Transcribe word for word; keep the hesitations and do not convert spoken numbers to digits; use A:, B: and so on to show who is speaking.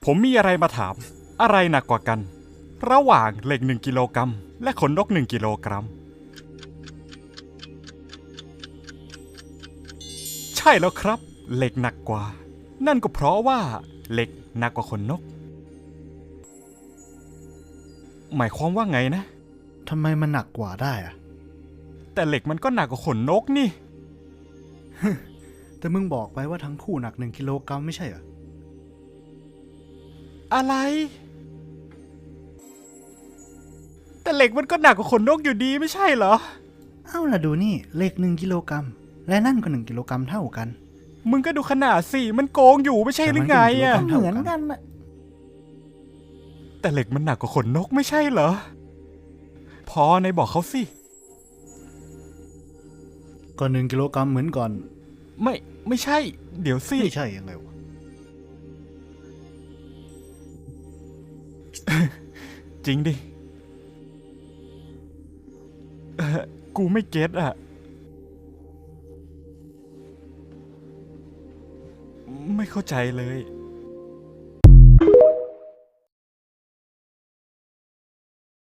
A: ผมมีอะไรมาถามอะไรหนักกว่ากันระหว่างเหล็กหนึ่งกิโลกรัมและขนนกหนึ่งกิโลกรัมใช่แล้วครับเหล็กหนักกว่านั่นก็เพราะว่าเหล็กหนักกว่าขนนกหมายความว่าไงนะ
B: ทำไมมันหนักกว่าได้อะ
A: แต่เหล็กมันก็หนักกว่าขนนกนี่
B: แต่มึงบอกไปว่าทั้งคู่หนักหนึ่งกิโลกรัมไม่ใช่เหรอ
A: อะไรแต่เหล็กมันก็หนักกว่าขนนกอยู่ดีไม่ใช่เหรอ
B: เอ้าล่ะดูนี่เหล็กหนึ่งกิโลกรัมและนั่นก็หนึ่งกิโลกรัมเท่ากัน
A: มึงก็ดูขนาดสิมันโกงอยู่ไม่ใช่หรือไงอะ
B: เหมือนกันนะ
A: แต่เหล็กมันหนักกว่าขนนกไม่ใช่เหรอพอในบอกเขาสิ
B: ก็หนึ่งกิโลกรัมเหมือนก่อน
A: ไม่ไม่ใช่เดี๋ยวสิ
B: ไม่ใช่ยังไงวะ
A: จริงดิเออกูไม่เก็ตอะไม่เข้าใจเลย